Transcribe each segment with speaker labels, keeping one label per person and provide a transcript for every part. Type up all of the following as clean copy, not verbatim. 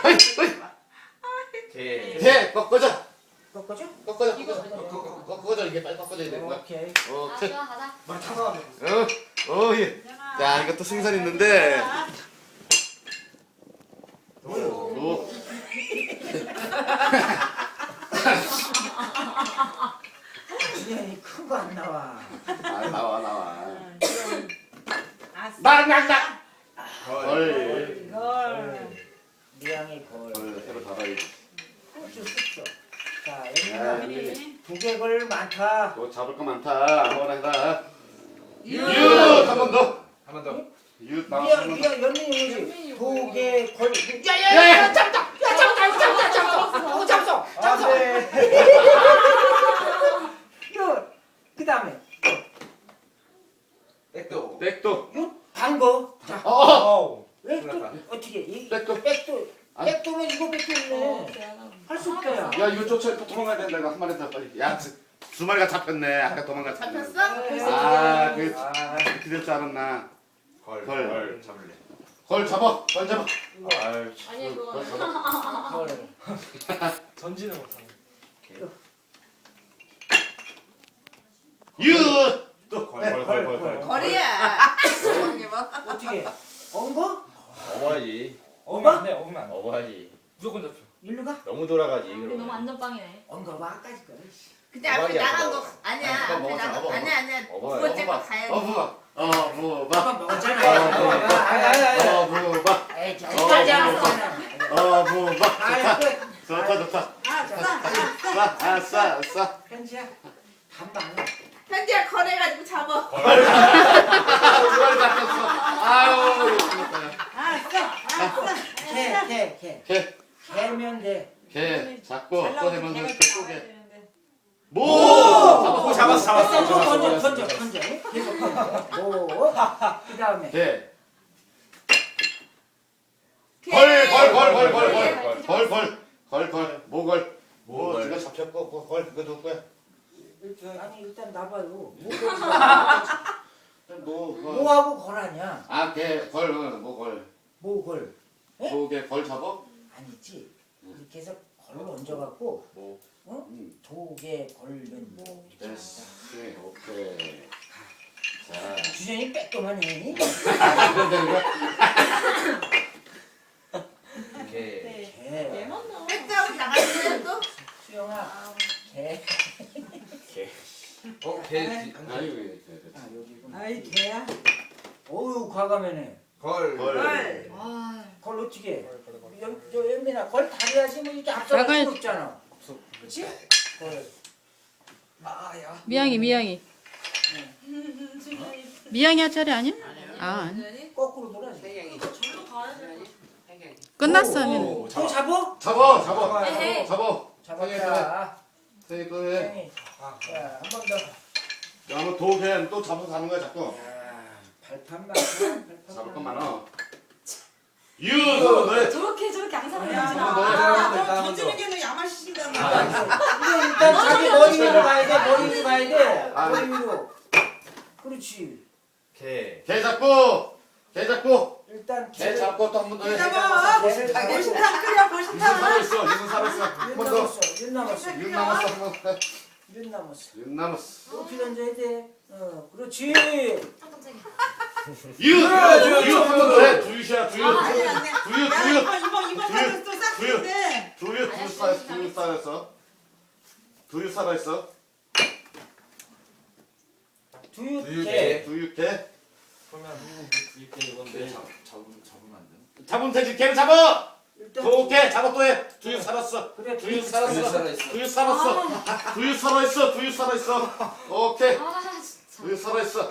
Speaker 1: 개 꺾어져.
Speaker 2: 꺾어줘?
Speaker 1: 꺾어져. 꺾어져. 이게 빨리 꺾어져야 되는 거야.
Speaker 2: 오케이.
Speaker 1: 오케이.
Speaker 3: 좋아 가자.
Speaker 4: 말 타서
Speaker 1: 예. 자, 이것도 승산 있는데. 오.
Speaker 2: 준현이 큰 거 안 나와.
Speaker 1: 아, 나와.
Speaker 5: 나.
Speaker 1: 걸.
Speaker 2: 미양이 걸.
Speaker 1: 새로 잡아야지.
Speaker 2: 쑥쑥. 자, 여기는 두개걸 많다.
Speaker 1: 너 잡을 거 많다. 아무거나 해라.
Speaker 3: 유.
Speaker 1: 한 번 더.
Speaker 4: 한 번 더.
Speaker 1: 유 나왔어.
Speaker 2: 미양 연민이 뭐지? 두개 걸.
Speaker 1: 야야야.
Speaker 2: 잡았어.
Speaker 1: 아,
Speaker 2: 네. 그 다음에
Speaker 4: 백도.
Speaker 1: 백도.
Speaker 2: 반거. 자,
Speaker 4: 어우.
Speaker 2: 백도 어떻게? 이
Speaker 1: 백도.
Speaker 2: 백도는 이거 백도네. 할 수 없다 야.
Speaker 1: 야, 이거 쫓아 도망가야 된다. 이거 한 마리 더 빨리. 야, 두 마리가 잡혔네. 아까 도망갔지.
Speaker 3: 잡혔어?
Speaker 1: 아, 그렇게 될 줄 알았나.
Speaker 4: 걸 잡을래.
Speaker 1: 걸 잡아. 걸 잡아.
Speaker 4: 아유.
Speaker 3: 아니 그거.
Speaker 1: 걸 잡아.
Speaker 2: 걸.
Speaker 4: 전지는 못하네.
Speaker 1: 유. 또.
Speaker 4: 걸.
Speaker 3: 거리야.
Speaker 2: 어떻게? 언거?
Speaker 6: 어머지.
Speaker 2: 어마?
Speaker 4: 네, 오면 안 돼.
Speaker 6: 어머지.
Speaker 4: 무조건 잡혀.
Speaker 2: 일로 가?
Speaker 6: 너무 돌아가지.
Speaker 3: 우리
Speaker 6: 그러면.
Speaker 3: 너무 안전빵이네.
Speaker 2: 언거 봐 아까지 거.
Speaker 3: 근데 앞에
Speaker 6: 어머니야,
Speaker 3: 나간
Speaker 6: 그거.
Speaker 3: 거 아니야.
Speaker 6: 아니, 그거
Speaker 3: 앞에
Speaker 6: 먹었잖아,
Speaker 3: 나간
Speaker 6: 먹어.
Speaker 3: 아니야. 두
Speaker 6: 먹어요.
Speaker 3: 번째 거 가야지.
Speaker 1: 뭐
Speaker 2: 한번 먹었잖아.
Speaker 1: 뭐
Speaker 2: 에이 저기까지 안 먹었잖아.
Speaker 1: 뭐
Speaker 2: 아, 끝.
Speaker 1: 좋다. 아싸.
Speaker 2: 현지야 반반.
Speaker 3: 현지야 거래가지고 잡아.
Speaker 1: 두 마리 잡혔어. 아유,
Speaker 2: 개. 개면 돼.
Speaker 1: 개 잡고 또 해면 또 개.
Speaker 4: 오, 잡았어.
Speaker 2: 던져. 계속 던져. 오. 그 다음에.
Speaker 1: 개. 걸. 모걸. 뭐 지금 잡혔고 걸 그거 누구 거야?
Speaker 2: 아니 일단 나봐요.
Speaker 1: 뭐
Speaker 2: 뭐하고 걸하냐?
Speaker 1: 아, 개, 걸, 모걸.
Speaker 2: 뭐걸?
Speaker 1: 도개 걸 잡아?
Speaker 2: 아니지. 이렇게 해서 걸로 얹어갖고
Speaker 1: 뭐.
Speaker 2: 도개 걸은 뭐 이렇게
Speaker 1: 됐어.
Speaker 2: 한다.
Speaker 1: 오케이. 자.
Speaker 2: 주전이 빼꼼만 해.
Speaker 1: 그럼 되는 거야?
Speaker 4: 오케이.
Speaker 2: 개.
Speaker 3: 백다운 나가면 또.
Speaker 2: 수영아. 개.
Speaker 4: 개.
Speaker 1: 아니,
Speaker 2: 아 여기구나.
Speaker 5: 아이 개야.
Speaker 2: 어유 과감하네.
Speaker 4: 걸.
Speaker 1: 걸.
Speaker 2: 걸 어떻게 해? 저 연민아 걸 다려야지 뭐 이렇게 앞서갈 수 없잖아. 그렇지? 걸. 아야.
Speaker 7: 미양이 할 차례 아니야? 아 아니.
Speaker 2: 거꾸로 돌아야지.
Speaker 7: 끝났어.
Speaker 2: 또 잡어?
Speaker 1: 잡아.
Speaker 3: 에헤이.
Speaker 2: 잡았다.
Speaker 1: 세이 또 해.
Speaker 2: 형이. 자, 한 번 더.
Speaker 1: 야, 뭐 도개 또 잡아서 가는 거야, 자꾸.
Speaker 2: 야, 발판만.
Speaker 1: 잡을 건 많아. 유! 너네.
Speaker 3: 저렇게 항상
Speaker 5: 야,
Speaker 1: 던져.
Speaker 5: 너 던지는 게너 야마시신다.
Speaker 2: 이게 일단 자기 머리 위로 가야 돼. 머리 위로 가야 돼.
Speaker 1: 아.
Speaker 2: 머리 위로. 그렇지.
Speaker 4: 개.
Speaker 1: 개 잡고.
Speaker 2: 일단
Speaker 1: 개 잡고 또 한 번 더 해.
Speaker 5: 잡아.
Speaker 2: 개를 잡아.
Speaker 5: 보신탕 끓여
Speaker 1: 유순
Speaker 5: 보신탕.
Speaker 1: 살아있어. 한 번 더.
Speaker 2: 윤 남았어.
Speaker 1: 윤 남았어, 한 번 더.
Speaker 2: 윤 남았어.
Speaker 1: 윤 남았어.
Speaker 2: 높이 던져야 돼. 그렇지.
Speaker 1: 유! 한 번 더 해. 두유시야, 두유.
Speaker 5: 아니 안 돼.
Speaker 1: 두유.
Speaker 5: 이번 판은 또 싹쓸인데.
Speaker 1: 두유 살아있어.
Speaker 2: 두유개.
Speaker 1: 두유 개.
Speaker 4: 그러면 이렇게 이건데 잡으면 안 돼.
Speaker 1: 잡으면 되지. 개를 잡아!
Speaker 2: 일단
Speaker 1: 도개 잡아 또 해. 두유 살았어.
Speaker 2: 그래
Speaker 1: 두유
Speaker 4: 두유
Speaker 1: 살았어.
Speaker 4: 살아있어.
Speaker 1: 두유 살았어. 두유 살아있어. 오케이.
Speaker 3: 아 진짜.
Speaker 1: 두유 살아있어.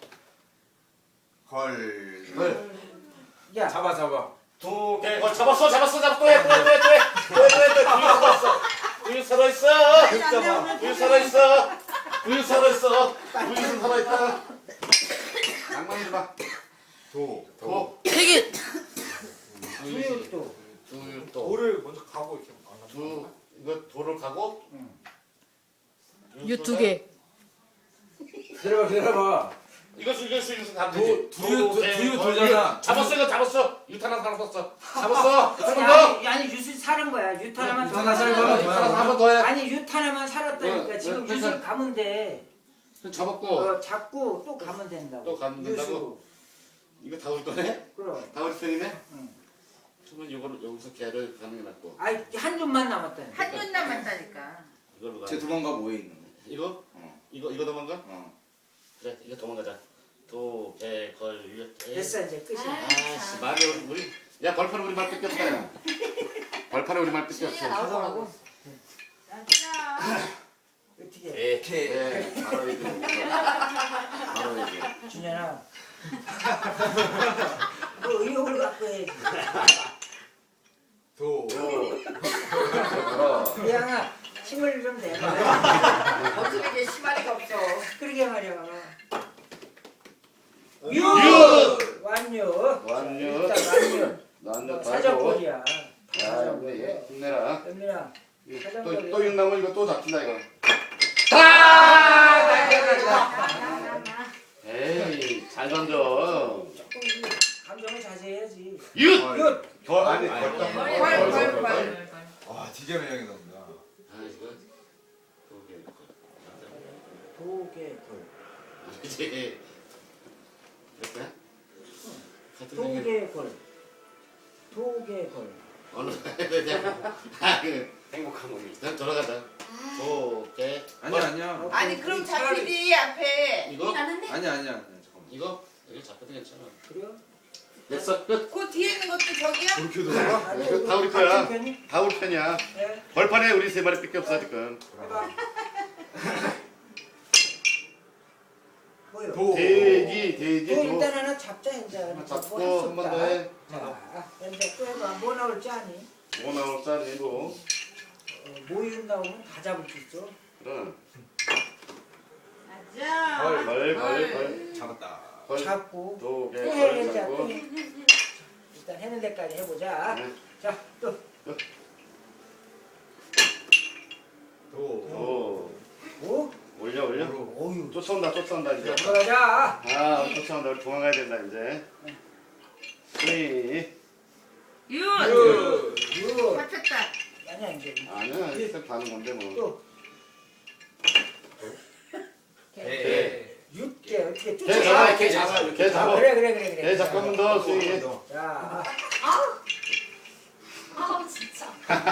Speaker 4: 걸.
Speaker 1: 네.
Speaker 2: 야.
Speaker 4: 잡아.
Speaker 1: 두개 걸 잡았어. 또 해. 두유 살아있어. 두유 살아있어. 두유 살아있다. 낭만이지 마. 도.
Speaker 7: 되게
Speaker 2: 두유도.
Speaker 1: 두유 또.
Speaker 4: 돌을 먼저 가고 이렇게.
Speaker 1: 이거 돌을 가고.
Speaker 7: 유 두 개.
Speaker 4: 기다려봐.
Speaker 1: 이것을 가면 되지.
Speaker 4: 두유 돌잖아.
Speaker 1: 잡았어 이거 잡았어. 유탄 하나 썼어. 잡았어. 한 번 더.
Speaker 2: 아니 유술 사는 거야. 유탄하만 더
Speaker 4: 유탄 살고
Speaker 2: 살아.
Speaker 4: 유탄
Speaker 1: 한 번 더 해.
Speaker 2: 아니 유탄하만 살았다니까. 지금
Speaker 1: 그래서-
Speaker 2: 유술 가면 돼.
Speaker 1: 잡았고
Speaker 2: 잡고 또 가면 된다고.
Speaker 1: 또 가면 된다고?
Speaker 2: 유술.
Speaker 1: 이거 다 우리 거네?
Speaker 2: 그럼.
Speaker 1: 다 우리 편이네?
Speaker 2: 응.
Speaker 1: 그러면 이거를 여기서 개를 가는 게 낫고
Speaker 2: 아이 한 줌만 남았다니까.
Speaker 3: 한눈 남았다니까.
Speaker 1: 이걸로 가.
Speaker 4: 제 도망가 뭐에 있는 거?
Speaker 1: 이거?
Speaker 4: 어.
Speaker 1: 이거 도망가?
Speaker 4: 어.
Speaker 1: 그래 이거 도망가자. 도개걸
Speaker 2: 됐어 이제 끝이야.
Speaker 1: 아씨 말이 우리 야 벌판에 우리 말 뺏겼다 야. 벌판에 우리 말 뺏겼어.
Speaker 3: 나올 거라고.
Speaker 2: 어떻게?
Speaker 1: 개. 바로 얘기. 바로 얘기.
Speaker 2: 준현아. 너 의욕을 갖고 해야지. 미양아 힘을 좀 내봐.
Speaker 3: 어떻게 이게 시마리가 없어.
Speaker 2: 그러게 말이야.
Speaker 1: 유!
Speaker 2: 완료.
Speaker 1: 완료.
Speaker 2: 일단 완료.
Speaker 1: 나한테
Speaker 2: 사정거리야.
Speaker 1: 야 우리 힘내라.
Speaker 2: 연민아.
Speaker 1: 또 육나무 이거 또 잡힌다 이거. 에이 잘 던져.
Speaker 2: 감정을 자제해야지.
Speaker 1: 윷!
Speaker 2: 윷!
Speaker 1: 아니
Speaker 3: 걸.
Speaker 4: 와 디제 매력이 나온다.
Speaker 1: 아 이거
Speaker 2: 도개걸.
Speaker 1: 이제 됐냐?
Speaker 2: 도개걸. 도개걸.
Speaker 1: 어느 해야 되냐? 아그 행복한 몸이. 일단 돌아가자. 도개.
Speaker 4: 아니야.
Speaker 3: 아니 그럼 잡히지 앞에.
Speaker 1: 이거?
Speaker 4: 아니야 잠깐만.
Speaker 1: 이거 여기 잡혀도 괜찮아.
Speaker 2: 그래요?
Speaker 1: 됐어 끝.
Speaker 3: 그 뒤에 있는 것도 저기야?
Speaker 4: 그렇게 돌아가?
Speaker 2: 아니,
Speaker 1: 이거 다 우리 거야.
Speaker 2: 같은 편이?
Speaker 1: 다 우리 편이야.
Speaker 2: 네.
Speaker 1: 벌판에 우리 세 마리밖에 없어 지금.
Speaker 2: 해봐. 뭐요?
Speaker 1: 돼지
Speaker 2: 또
Speaker 1: 도.
Speaker 2: 일단 하나 잡자 이제.
Speaker 1: 잡고
Speaker 2: 뭐
Speaker 1: 한 번 더 해.
Speaker 2: 자, 이제 또 해봐. 뭐 나올지 아니?
Speaker 1: 뭐 나올 짜리 뭐.
Speaker 2: 모유 나오면 다 잡을 수 있어.
Speaker 1: 그럼.
Speaker 3: 맞아.
Speaker 1: 걸.
Speaker 4: 잡았다.
Speaker 1: 걸.
Speaker 2: 잡고
Speaker 1: 도개
Speaker 2: 또 해.
Speaker 1: 걸
Speaker 2: 이제 또
Speaker 1: 잡고.
Speaker 2: 해. 일단 해는 데까지 해보자.
Speaker 1: 네.
Speaker 2: 자, 또.
Speaker 1: 도.
Speaker 2: 오?
Speaker 1: 올려.
Speaker 2: 오유.
Speaker 1: 쫓아온다 이제.
Speaker 2: 들어가자.
Speaker 1: 아 쫓아온다 우리 도망가야 된다 이제. 네.
Speaker 3: 윤.
Speaker 2: 유.
Speaker 3: 잡혔다.
Speaker 2: 아니야 이제.
Speaker 1: 아니야 이렇게 가는 건데 뭐.
Speaker 2: 또. 육개 어떻게
Speaker 1: 개
Speaker 2: 쫓아?
Speaker 1: 잡아 개 잡아 개 잡아.
Speaker 2: 그래.
Speaker 1: 개 잡고 한 번 더 수익.
Speaker 2: 자,
Speaker 3: 아 진짜.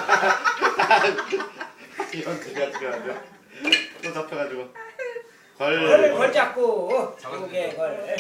Speaker 1: 이런 개가 들어가죠. 또 잡혀가지고.
Speaker 2: 걸 잡고 두개 걸.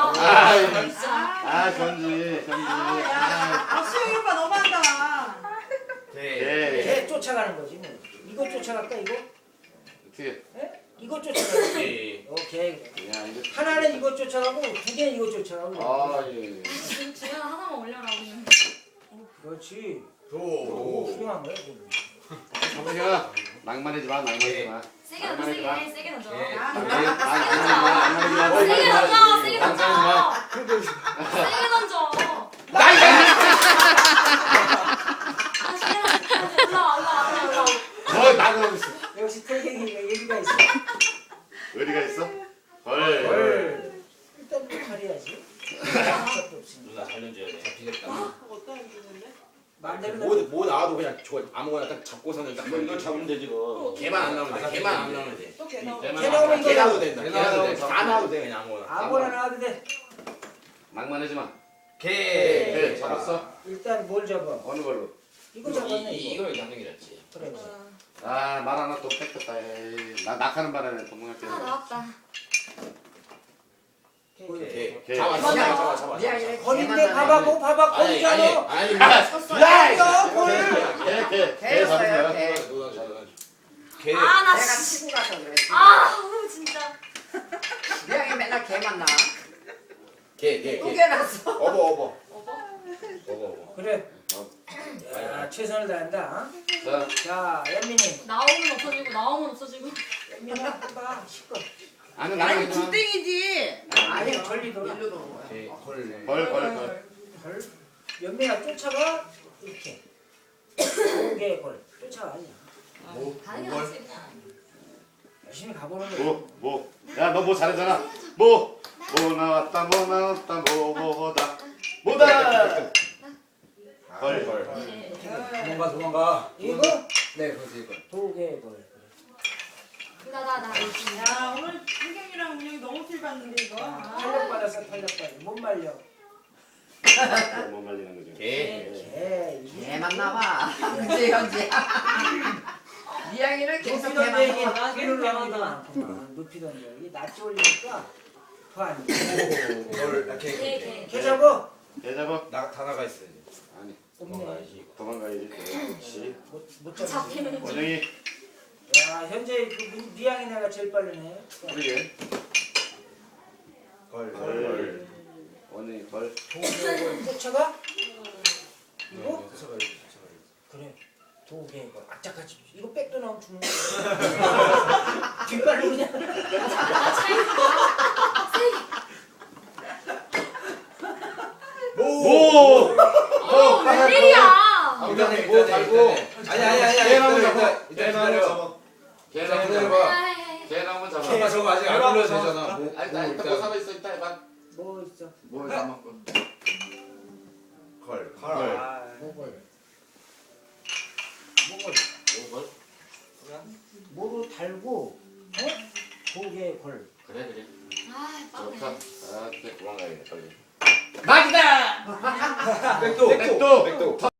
Speaker 1: 아 견지.
Speaker 5: 수영이 오빠 너무한다.
Speaker 1: 개.
Speaker 2: 개 쫓아가는 거지 뭐. 이거 쫓아갈까 이거?
Speaker 1: 어떻게?
Speaker 2: 이거 쫓아가고. 오케이.
Speaker 1: 야 이거.
Speaker 2: 하나는 이거 쫓아가고 두 개는 이거 쫓아가고.
Speaker 1: 아 예.
Speaker 3: 주연 하나만 올려라 그냥.
Speaker 2: 그렇지.
Speaker 4: 도.
Speaker 2: 훌륭한 거야 지금.
Speaker 1: 정우야 낭만하지 마.
Speaker 3: 세게 던져 세게 던져.
Speaker 1: 세게
Speaker 3: 세게 던져. 세게 던져. 올라와.
Speaker 1: 나고 있어.
Speaker 2: 역시 털갱이가 얘기가 있어.
Speaker 1: 어디가 있어?
Speaker 2: 걸. 일단 또 가려야지. 아무것도 없으니까.
Speaker 6: 누나 살려줘야 돼.
Speaker 4: 잡히겠다.
Speaker 5: 어떤 일인데?
Speaker 2: 마음대로
Speaker 6: 뭐 나와도 그냥 저 아무거나 딱 잡고서는 딱
Speaker 1: 이거 잡으면
Speaker 6: 되지 그. 개만 안 나오면 돼. 개만 안 나오면 돼.
Speaker 5: 또 개나.
Speaker 2: 개 나오면
Speaker 6: 개
Speaker 2: 이거
Speaker 6: 나와도 된다. 개 나와도 돼. 다 나와도 돼 그냥 아무거나.
Speaker 2: 아무거나 나와도 돼.
Speaker 1: 낭만하지 마.
Speaker 4: 개.
Speaker 1: 잡았어?
Speaker 2: 일단 뭘 잡아?
Speaker 1: 어느 걸로?
Speaker 2: 이거 잡았네 이거.
Speaker 6: 이거 당연히랬지.
Speaker 2: 그래.
Speaker 1: 아 말 하나 또 뺏겼다. 에이. 나 낙하는 바람에 도망갈게.
Speaker 3: 나왔다.
Speaker 1: 개.
Speaker 6: 잡아.
Speaker 2: 거긴데 봐봐 봐봐 거기잖아.
Speaker 6: 아니.
Speaker 2: 야 걸.
Speaker 1: 개 잡은 거야.
Speaker 4: 개.
Speaker 3: 아나
Speaker 8: 내가 치고 가서 그래.
Speaker 3: 진짜.
Speaker 8: 미양이 맨날 개만 나.
Speaker 6: 개.
Speaker 8: 우겨놨어.
Speaker 6: 어버.
Speaker 2: 그래. 야 최선을 다한다.
Speaker 1: 자,
Speaker 2: 자 연민이.
Speaker 3: 나오면 없어지고 나오면 없어지고.
Speaker 2: 연민아 해봐 시끄러.
Speaker 1: 아니
Speaker 3: 아니
Speaker 1: 나는 그냥
Speaker 3: 굴땡이지.
Speaker 2: 아니 전리 돌아.
Speaker 8: 일로 도는 거야.
Speaker 1: 걸.
Speaker 2: 걸. 연민아 쫓아가 이렇게. 오개 걸. 쫓아가.
Speaker 3: 가는 게 낫지 그냥.
Speaker 2: 열심히 가보는 거야.
Speaker 1: 뭐. 야 너 뭐 잘하잖아. 뭐. 뭐 나왔다 뭐 나왔다 뭐다 뭐다 걸
Speaker 6: 도망가 도망가.
Speaker 2: 이거
Speaker 8: 네, 그래서 이거.
Speaker 2: 도개 걸.
Speaker 3: 나.
Speaker 5: 야 오늘 한경이랑 운영이 너무 필 받는데 이거.
Speaker 2: 탄력 받았어 탄력 받아. 못 말려.
Speaker 1: 못 말리는 거죠
Speaker 6: 개.
Speaker 2: 개. 이게
Speaker 8: 개만 나와. 현재 현재. 이야기를 계속
Speaker 2: 높이던
Speaker 8: 개만
Speaker 2: 얘기
Speaker 8: 나와.
Speaker 2: 높이는 얘기도 많구만. 높이던 얘기 낯이 올리니까 더 안 돼.
Speaker 6: 걸. 개.
Speaker 3: 개.
Speaker 2: 개 잡어.
Speaker 1: 개 잡아
Speaker 6: 나다 나가 있어.
Speaker 1: 아니
Speaker 2: 없네.
Speaker 1: 도망가야지 그렇지
Speaker 2: 못 잡지.
Speaker 3: 잡히는 거.
Speaker 1: 원영이
Speaker 2: 야 현재 그 미양이 내가 제일 빠르네.
Speaker 1: 그러게
Speaker 6: 걸.
Speaker 1: 걸 원영이 걸
Speaker 2: 도개 쫓아가? 이거?
Speaker 6: 쫓아가야
Speaker 2: 그래. 도개 걸. 악착같이. 이거 백도 나오면 죽는 거야. 뒷발로 그냥.
Speaker 3: 나 차이.
Speaker 1: 오!
Speaker 3: 웬일이야?
Speaker 6: 일단은
Speaker 1: 뭐 달고
Speaker 6: 아니.
Speaker 1: 개나무 잡아
Speaker 6: 일단
Speaker 1: 개나무
Speaker 6: 기다려.
Speaker 1: 잡아 개나무
Speaker 6: 기다려봐.
Speaker 1: 잡아 개나무 잡아
Speaker 6: 잠깐 저거 아직 안 불러도 되잖아.
Speaker 1: 일단 뭐 살아있어 이따 해봐
Speaker 2: 뭐 있어?
Speaker 1: 뭐 남았고
Speaker 6: 걸.
Speaker 1: 걸.
Speaker 2: 뭐걸?
Speaker 1: 걸?
Speaker 2: 뭐로 달고 도개 걸.
Speaker 1: 그래
Speaker 3: 아,
Speaker 1: 좋다
Speaker 3: 빠르네.
Speaker 1: 아 그래 도망가야겠다 빨리
Speaker 8: 막이다.
Speaker 6: 백도.
Speaker 1: 백도